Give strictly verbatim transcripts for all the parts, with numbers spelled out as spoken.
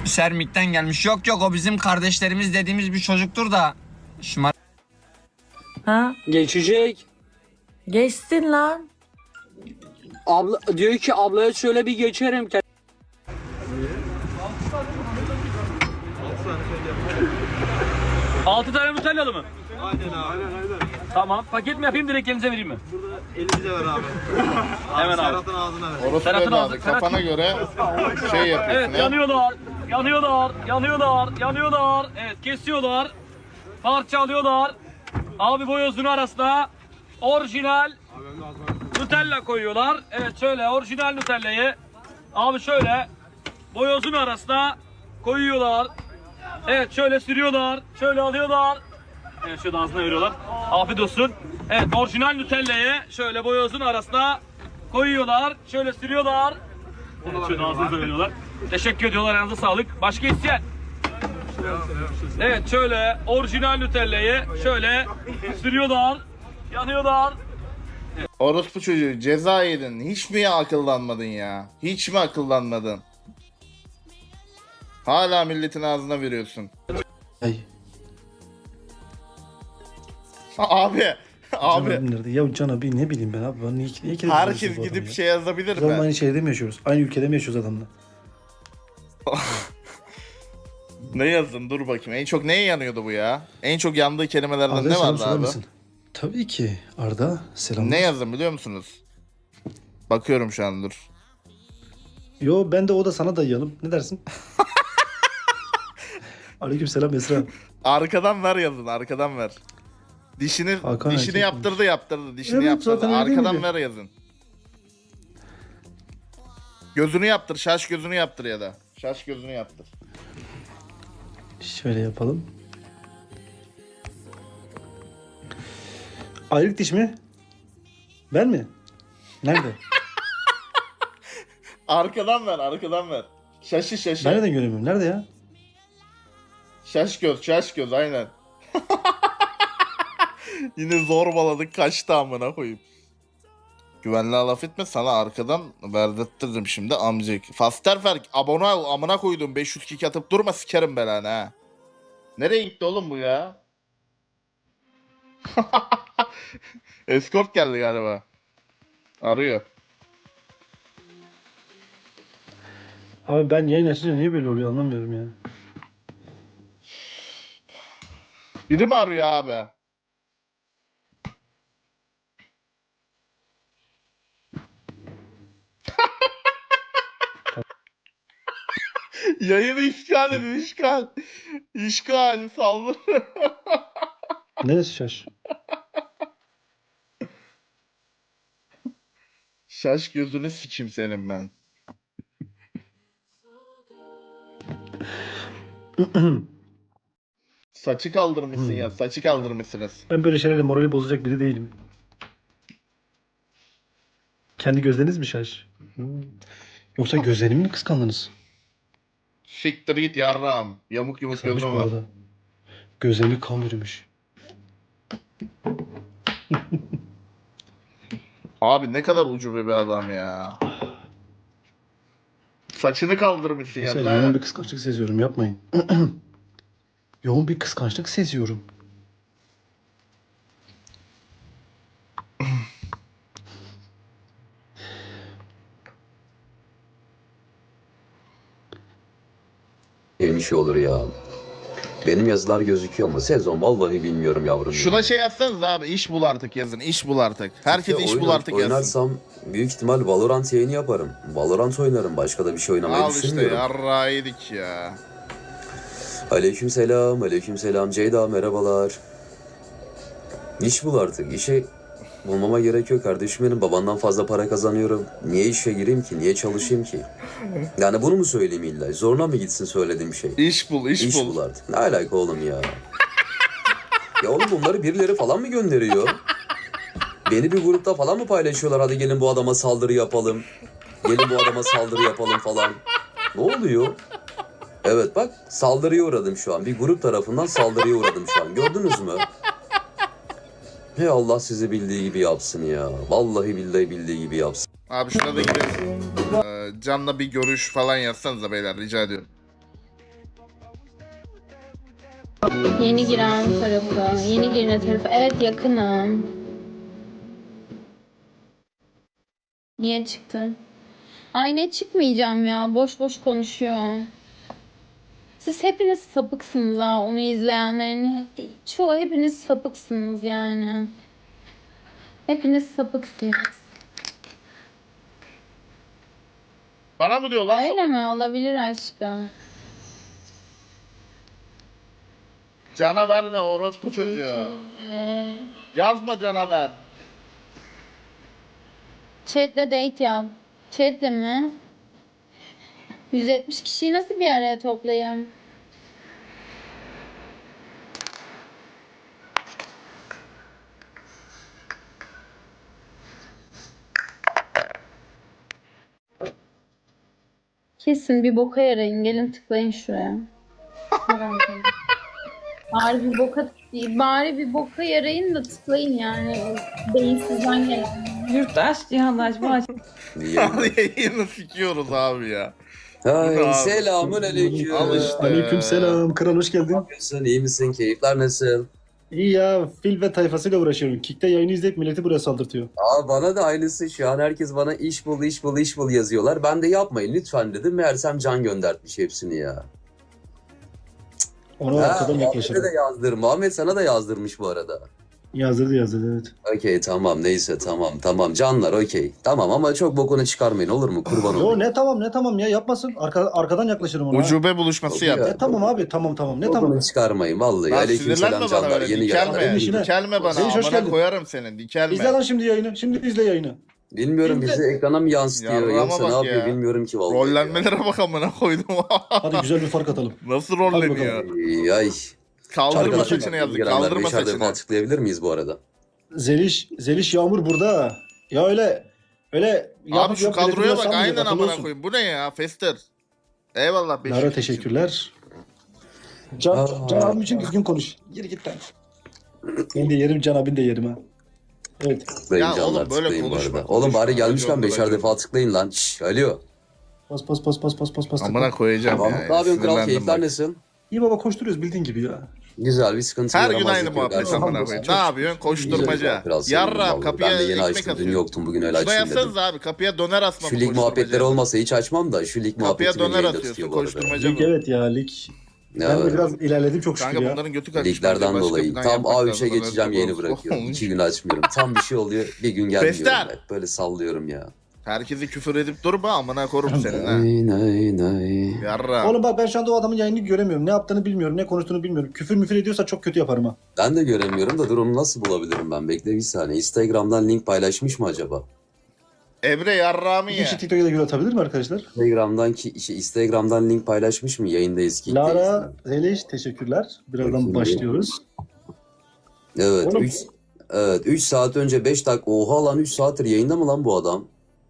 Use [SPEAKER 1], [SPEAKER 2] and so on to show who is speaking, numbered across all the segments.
[SPEAKER 1] Sermik'ten gelmiş. Yok yok, o bizim kardeşlerimiz dediğimiz bir çocuktur da. Şımar...
[SPEAKER 2] Ha?
[SPEAKER 3] Geçecek.
[SPEAKER 2] Geçsin lan.
[SPEAKER 3] Abla diyor ki ablaya şöyle bir geçerim.
[SPEAKER 4] Altı tane Nutellalı mı?
[SPEAKER 5] Aynen abi. Aynen aynen.
[SPEAKER 4] Tamam. Paket mi yapayım, direkt elinize vereyim mi?
[SPEAKER 5] Burada elimize ver abi.
[SPEAKER 4] Hemen abi.
[SPEAKER 5] Serhat'ın ağzına ver.
[SPEAKER 6] Orası
[SPEAKER 4] Serhat'ın
[SPEAKER 6] böyle
[SPEAKER 4] ağzı-
[SPEAKER 6] abi.
[SPEAKER 4] Serhat-
[SPEAKER 6] Kafana göre şey yapıyorsun.
[SPEAKER 4] Evet,
[SPEAKER 6] ya.
[SPEAKER 4] yanıyorlar. Yanıyorlar. Yanıyorlar. Yanıyorlar. Evet, kesiyorlar. Parça alıyorlar. Abi boyozunu arasına orijinal Nutella koyuyorlar. Evet, şöyle orijinal Nutella'yı abi şöyle boyozun arasına koyuyorlar. Evet, şöyle sürüyorlar. Şöyle alıyorlar. Evet, şöyle ağzına veriyorlar. Afiyet olsun. Evet, orijinal Nutella'yı şöyle boyozun arasına koyuyorlar. Şöyle sürüyorlar. Evet, şöyle ağzınıza veriyorlar. Teşekkür ediyorlar, yanınıza sağlık. Başka isteyen? Evet, şöyle orijinal Nutella'yı şöyle sürüyorlar. Yanıyorlar.
[SPEAKER 6] Orospu çocuğu, ceza yedin. Hiç mi akıllanmadın ya? Hiç mi akıllanmadın? Hala milletin ağzına veriyorsun.
[SPEAKER 7] Ay.
[SPEAKER 6] Abi. Abi.
[SPEAKER 7] Can abi nerede? Ya Can abi ne bileyim ben abi. Ben niye, niye kere
[SPEAKER 6] Herkes
[SPEAKER 7] konuşuyoruz bu
[SPEAKER 6] gidip
[SPEAKER 7] adamı ya?
[SPEAKER 6] şey yazabilir
[SPEAKER 7] Biz oğlum
[SPEAKER 6] mi?
[SPEAKER 7] aynı şehirde mi yaşıyoruz? Aynı ülkede mi yaşıyoruz adamla?
[SPEAKER 6] Ne yazdın? Dur bakayım. En çok neye yanıyordu bu ya? En çok yandığı kelimelerden
[SPEAKER 7] Arda'ya
[SPEAKER 6] ne
[SPEAKER 7] selam
[SPEAKER 6] vardı
[SPEAKER 7] söyler
[SPEAKER 6] abi?
[SPEAKER 7] misin? Tabii ki. Arda selam.
[SPEAKER 6] Ne yazdın biliyor musunuz? Bakıyorum şu an, dur.
[SPEAKER 7] Yo ben de o da sana dayayalım. Ne dersin? Aleyküm selam Esra.
[SPEAKER 6] Arkadan ver yazın, arkadan ver. Dişini
[SPEAKER 7] Hakan
[SPEAKER 6] dişini
[SPEAKER 7] erkek
[SPEAKER 6] yaptırdı yaptırdı. Dişini
[SPEAKER 7] Evet,
[SPEAKER 6] yaptırdı.
[SPEAKER 7] zaten öyle değil
[SPEAKER 6] Arkadan
[SPEAKER 7] miydi?
[SPEAKER 6] ver yazın. Gözünü yaptır, şaş gözünü yaptır ya da. Şaş gözünü yaptır.
[SPEAKER 7] Şöyle yapalım. Ayrık diş mi? Ben mi? Nerede?
[SPEAKER 6] Arkadan ver, arkadan ver. Şaşı şaşı.
[SPEAKER 7] Ben neden göremiyorum? Nerede ya?
[SPEAKER 6] Şaş göz, şaş göz aynen. Yine zorbaladık, kaçtı amına koyayım. Güvenliğe laf etme, sana arkadan verdirttirdim şimdi amcık. Fasterferk abone ol, amına koydum, beş yüz kick atıp durma, sikerim belanı ha. Nereye gitti oğlum bu ya? Escort geldi galiba. Arıyor.
[SPEAKER 7] Abi ben yayın açınca niye böyle oluyor anlamıyorum ya.
[SPEAKER 6] Biri mi arıyor abi? Yayını işgal edin, işgal. İşgal, saldır.
[SPEAKER 7] Neresi şaş?
[SPEAKER 6] Şaş gözünü sikim senin ben. Saçı kaldırmışsın ya, saçı kaldırmışsınız.
[SPEAKER 7] Ben böyle şeylerle morali bozacak biri değilim. Kendi gözleriniz mi şaş? Hmm. Yoksa gözlerimi mi kıskandınız?
[SPEAKER 6] Siktir git yarrağım. Yamuk yumuk
[SPEAKER 7] Kıskanmış
[SPEAKER 6] gözüm
[SPEAKER 7] bu
[SPEAKER 6] var.
[SPEAKER 7] arada. Gözlerimi kan bürümüş.
[SPEAKER 6] Abi ne kadar ucube bir adam ya. Saçını kaldırmışsın ya.
[SPEAKER 7] Mesela yoğun bir kıskançlık seziyorum yapmayın. Yoğun bir kıskançlık seziyorum.
[SPEAKER 8] Bir şey olur ya. Benim yazılar gözüküyor mu? Sezon vallahi bilmiyorum yavrum.
[SPEAKER 6] Şuna şey yazsanız abi, iş bul artık yazın, iş bul artık. Herkes
[SPEAKER 8] Ya
[SPEAKER 6] iş bul
[SPEAKER 8] oynar-
[SPEAKER 6] artık yazsın.
[SPEAKER 8] Oynarsam büyük ihtimal Valorant yayını yaparım. Valorant oynarım. Başka da bir şey oynamayı
[SPEAKER 6] Al işte
[SPEAKER 8] düşünmüyorum.
[SPEAKER 6] yarrağı yedik ya.
[SPEAKER 8] Aleykümselam, aleykümselam. Ceyda merhabalar. İş bul artık. İşe bulmama gerek yok kardeşim benim. Babandan fazla para kazanıyorum. Niye işe gireyim ki? Niye çalışayım ki? Yani bunu mu söyleyeyim illa? Zoruna mı gitsin söylediğim şey?
[SPEAKER 6] İş bul, iş,
[SPEAKER 8] İş
[SPEAKER 6] bul.
[SPEAKER 8] bul artık. Ne alaka oğlum ya? Ya oğlum bunları birileri falan mı gönderiyor? Beni bir grupta falan mı paylaşıyorlar? Hadi gelin bu adama saldırı yapalım. Gelin bu adama saldırı yapalım falan. Ne oluyor? Evet bak saldırıya uğradım şu an. Bir grup tarafından saldırıya uğradım şu an. Gördünüz mü? Hey Allah sizi bildiği gibi yapsın ya. Vallahi billahi bildiği gibi yapsın.
[SPEAKER 6] Abi şuna da girelim. Ee, Can'la bir görüş falan yazsanıza beyler, rica ediyorum.
[SPEAKER 9] Yeni giren tarafı, yeni giren tarafı. Evet yakınım. Niye çıktın? Ay ne çıkmayacağım ya. Boş boş konuşuyor. Siz hepiniz sapıksınız ha. Onu izleyenlerin çoğu hepiniz sapıksınız yani. Hepiniz sapıksınız.
[SPEAKER 6] Bana mı diyor lan?
[SPEAKER 9] Öyle mi? Olabilir aşkım.
[SPEAKER 6] Canavar ne orospu çocuğu.
[SPEAKER 9] Ee,
[SPEAKER 6] Yazma canavar.
[SPEAKER 9] Chat'le date yap. Chat'le mi? yüz yetmiş kişiyi nasıl bir araya toplayayım? Kesin bir boka yarayın. Gelin tıklayın şuraya. Bari bir boka bari bir boka yarayın da tıklayın yani. Beyinsizden gelin.
[SPEAKER 2] Yurttaş, cihanlaşma aç.
[SPEAKER 6] Yayını sikiyoruz abi ya. Bu ne
[SPEAKER 8] Hay
[SPEAKER 6] abi?
[SPEAKER 8] selamun aleyküm.
[SPEAKER 6] Al işte.
[SPEAKER 7] Aleyküm selam. Kral hoş
[SPEAKER 8] Ne
[SPEAKER 7] geldin.
[SPEAKER 8] yapıyorsun? İyi misin? Keyifler nasıl?
[SPEAKER 7] İyi ya. Fil ve tayfasıyla uğraşıyorum. Kick'te yayını izleyip milleti buraya saldırtıyor.
[SPEAKER 8] Aa bana da aynısı şu an herkes bana iş bul iş bul iş bul yazıyorlar. Ben de yapmayın lütfen dedim. Meğersem Can göndertmiş hepsini ya.
[SPEAKER 7] Ona
[SPEAKER 8] Ha,
[SPEAKER 7] arkadan
[SPEAKER 8] Muhammed'e
[SPEAKER 7] yaklaşırım.
[SPEAKER 8] de yazdırmış. Muhammed sana da yazdırmış bu arada.
[SPEAKER 7] Yazdırdı yazdırdı evet.
[SPEAKER 8] Okey tamam neyse tamam tamam canlar okey. Tamam ama çok bokunu çıkarmayın olur mu kurban
[SPEAKER 7] Yo
[SPEAKER 8] olayım.
[SPEAKER 7] ne tamam ne tamam ya yapmasın. Arka, arkadan yaklaşırım ona.
[SPEAKER 6] Ucube buluşması
[SPEAKER 8] Yok
[SPEAKER 6] yap.
[SPEAKER 8] ya.
[SPEAKER 7] E tamam abi tamam tamam ne
[SPEAKER 8] Bokunu
[SPEAKER 7] tamam.
[SPEAKER 8] çıkarmayın vallahi.
[SPEAKER 6] Lan
[SPEAKER 8] Aleyküm
[SPEAKER 6] sinirlenme
[SPEAKER 8] selam
[SPEAKER 6] bana
[SPEAKER 8] canlar
[SPEAKER 6] böyle.
[SPEAKER 8] yeni
[SPEAKER 6] Dikelme.
[SPEAKER 8] gelenler.
[SPEAKER 7] işine.
[SPEAKER 6] Dikelme bana.
[SPEAKER 7] Seyit, hoş
[SPEAKER 6] Amına
[SPEAKER 7] geldin.
[SPEAKER 6] koyarım seni. Dikelme.
[SPEAKER 7] İzle lan şimdi yayını. Şimdi izle yayını.
[SPEAKER 8] Bilmiyorum
[SPEAKER 7] İzle.
[SPEAKER 8] bizi ekrana mı yansıtıyor
[SPEAKER 6] Yarrağıma
[SPEAKER 8] yoksa ne
[SPEAKER 6] bak
[SPEAKER 8] yapıyor
[SPEAKER 6] ya.
[SPEAKER 8] bilmiyorum ki vallahi. ya.
[SPEAKER 6] Rollenmelere bak amına koydum.
[SPEAKER 7] Hadi güzel bir fark atalım.
[SPEAKER 6] Nasıl
[SPEAKER 7] Hadi
[SPEAKER 6] rolleniyor?
[SPEAKER 8] Ay, ay.
[SPEAKER 6] Kaldırma
[SPEAKER 8] Arkadaşlar,
[SPEAKER 6] saçını yazdık.
[SPEAKER 8] gelenler
[SPEAKER 6] Kaldırma
[SPEAKER 8] beşer defa
[SPEAKER 6] saçını.
[SPEAKER 8] açıklayabilir miyiz bu arada?
[SPEAKER 7] Zeliş, Zeliş Yağmur burada. Ya öyle öyle
[SPEAKER 6] Abi
[SPEAKER 7] yapıp
[SPEAKER 6] şu
[SPEAKER 7] yap,
[SPEAKER 6] kadroya
[SPEAKER 7] milleti
[SPEAKER 6] bak
[SPEAKER 7] sanmayacak,
[SPEAKER 6] aynen
[SPEAKER 7] akıllı
[SPEAKER 6] amına
[SPEAKER 7] olsun.
[SPEAKER 6] koyayım. Bu ne ya? Fester. Eyvallah. beş
[SPEAKER 7] Lara
[SPEAKER 6] yüz
[SPEAKER 7] teşekkürler. Can,
[SPEAKER 8] Aa.
[SPEAKER 7] Can abim için düzgün konuş. Geri git lan. Ben de yerim, Can abin de yerim ha. Evet.
[SPEAKER 8] Tıklayın
[SPEAKER 6] Ya
[SPEAKER 8] canlar
[SPEAKER 6] oğlum, böyle
[SPEAKER 8] tıklayın bu
[SPEAKER 6] konuşma,
[SPEAKER 8] arada. Oğlum
[SPEAKER 6] konuşma.
[SPEAKER 8] bari gelmişken
[SPEAKER 6] Racon,
[SPEAKER 8] beşer
[SPEAKER 6] racon.
[SPEAKER 8] defa tıklayın lan. Şşş alo.
[SPEAKER 7] Pas pas pas pas pas pas pas.
[SPEAKER 6] Amına koyacağım
[SPEAKER 8] Tamam.
[SPEAKER 6] ya.
[SPEAKER 8] Ne yapıyorsun kral
[SPEAKER 6] Sinirlendim
[SPEAKER 8] keyifler
[SPEAKER 6] bak.
[SPEAKER 8] nasıl?
[SPEAKER 7] İyi baba koşturuyoruz bildiğin gibi ya.
[SPEAKER 8] Güzel bir sıkıntı
[SPEAKER 6] Her
[SPEAKER 8] yaramaz.
[SPEAKER 6] gün aynı
[SPEAKER 8] yok,
[SPEAKER 6] muhabbet
[SPEAKER 8] gerçekten.
[SPEAKER 6] amına
[SPEAKER 7] Çok-
[SPEAKER 6] koyayım.
[SPEAKER 7] çok-
[SPEAKER 6] Ne yapıyorsun? Koşturmaca.
[SPEAKER 8] Kral sevindim
[SPEAKER 6] Yarrağım
[SPEAKER 8] vallahi.
[SPEAKER 6] kapıya
[SPEAKER 8] Ben de yeni
[SPEAKER 6] ekmek
[SPEAKER 8] açtım. Dün
[SPEAKER 6] atıyor.
[SPEAKER 8] yoktum bugün öyle
[SPEAKER 6] Şuna
[SPEAKER 8] açtım dedim.
[SPEAKER 6] yapsanız abi kapıya döner asma.
[SPEAKER 8] Şu
[SPEAKER 6] bu
[SPEAKER 8] lig muhabbetleri
[SPEAKER 6] koşturmaca.
[SPEAKER 8] olmasa hiç açmam da şu lig
[SPEAKER 6] Kapıya
[SPEAKER 8] muhabbeti beni
[SPEAKER 6] döner
[SPEAKER 8] yayında
[SPEAKER 6] atıyorsun
[SPEAKER 8] tutuyor bu arada.
[SPEAKER 6] koşturmaca
[SPEAKER 7] Lig
[SPEAKER 6] bu.
[SPEAKER 7] evet ya lig. Ben
[SPEAKER 8] Ya,
[SPEAKER 7] de biraz ilerledim çok şükür
[SPEAKER 6] Kanka
[SPEAKER 7] ya.
[SPEAKER 6] bunların götü kaçmış.
[SPEAKER 8] liglerden
[SPEAKER 6] Başka
[SPEAKER 8] dolayı.
[SPEAKER 6] plan
[SPEAKER 8] Tam
[SPEAKER 6] yapmak
[SPEAKER 8] A
[SPEAKER 6] lazım.
[SPEAKER 8] üçe geçeceğim
[SPEAKER 6] Haberiniz
[SPEAKER 8] yeni
[SPEAKER 6] olsun.
[SPEAKER 8] bırakıyorum. İki gün açmıyorum. Tam bir şey oluyor bir gün gelmiyorum.
[SPEAKER 6] Fester.
[SPEAKER 8] Hep böyle sallıyorum ya.
[SPEAKER 6] Herkesi küfür edip durma amına korum senin ha.
[SPEAKER 8] Nay nay nay.
[SPEAKER 6] Yarrağım.
[SPEAKER 7] Oğlum bak ben şu anda o adamın yayını göremiyorum. Ne yaptığını bilmiyorum, ne konuştuğunu bilmiyorum. Küfür müfür ediyorsa çok kötü yaparım ha.
[SPEAKER 8] Ben de göremiyorum da dur onu nasıl bulabilirim ben? Bekle bir saniye. Instagram'dan link paylaşmış mı acaba?
[SPEAKER 6] Emre yarrağımı
[SPEAKER 7] Bir
[SPEAKER 6] ya.
[SPEAKER 7] kişi TikTok'a da göre atabilir mi arkadaşlar?
[SPEAKER 8] Instagram'dan ki şey, Instagram'dan link paylaşmış mı yayındayız ki?
[SPEAKER 7] Lara, Zeliş teşekkürler. Birazdan
[SPEAKER 8] Bakayım
[SPEAKER 7] başlıyoruz.
[SPEAKER 8] Evet.
[SPEAKER 7] Oğlum-
[SPEAKER 8] üç Evet üç saat önce beş dakika. Oha lan üç saattir yayında mı lan bu adam?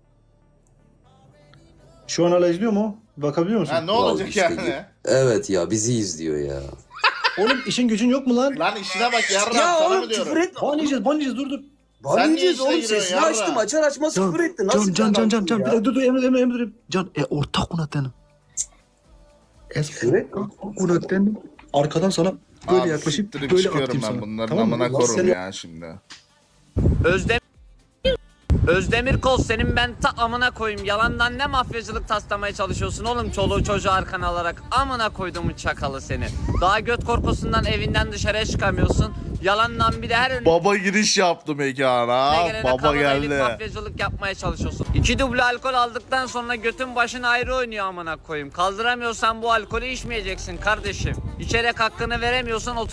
[SPEAKER 7] Şu an hala izliyor mu? Bakabiliyor musun?
[SPEAKER 6] Ha ne olacak
[SPEAKER 8] işte
[SPEAKER 6] yani?
[SPEAKER 8] gibi. Evet ya bizi izliyor ya.
[SPEAKER 7] Oğlum işin gücün yok mu lan?
[SPEAKER 6] Lan işine bak yarrağım sana mı diyorum?
[SPEAKER 8] etme.
[SPEAKER 7] Ban yiyeceğiz, ban yiyeceğiz dur dur.
[SPEAKER 8] Bana
[SPEAKER 6] Sen niye
[SPEAKER 8] yiyeceğiz
[SPEAKER 6] içine
[SPEAKER 8] oğlum
[SPEAKER 6] giriyorsun
[SPEAKER 8] sesini
[SPEAKER 6] yarra?
[SPEAKER 8] açtım açar açmaz küfür etti. Nasıl
[SPEAKER 7] Can can can can
[SPEAKER 8] bir
[SPEAKER 7] can. Bir
[SPEAKER 8] adamsın
[SPEAKER 7] dakika dur dur Emre Emre Emre. Can e ortak kunatenim. Es
[SPEAKER 8] Küfür etme.
[SPEAKER 7] kunatenim. Arkadan sana böyle
[SPEAKER 6] Abi
[SPEAKER 7] yaklaşıp
[SPEAKER 6] siktirip
[SPEAKER 7] böyle
[SPEAKER 6] çıkıyorum
[SPEAKER 7] atayım
[SPEAKER 6] ben
[SPEAKER 7] sana.
[SPEAKER 6] bunların
[SPEAKER 7] Tamam mı?
[SPEAKER 6] amına
[SPEAKER 7] Allah
[SPEAKER 6] korum
[SPEAKER 7] seni-
[SPEAKER 6] ya şimdi.
[SPEAKER 1] Özdemir Özdemir Kol senin ben ta amına koyayım. Yalandan ne mafyacılık taslamaya çalışıyorsun oğlum çoluğu çocuğu arkana alarak. Amına koyduğumun çakalı seni. Daha göt korkusundan evinden dışarıya çıkamıyorsun. Yalandan bir de her önüne
[SPEAKER 6] Baba giriş yaptı mekana.
[SPEAKER 1] gelene
[SPEAKER 6] Baba
[SPEAKER 1] kameraylık
[SPEAKER 6] geldi.
[SPEAKER 1] mafyacılık yapmaya çalışıyorsun. İki duble alkol aldıktan sonra götün başın ayrı oynuyor amına koyayım. Kaldıramıyorsan bu alkolü içmeyeceksin kardeşim. İçerek hakkını veremiyorsan otur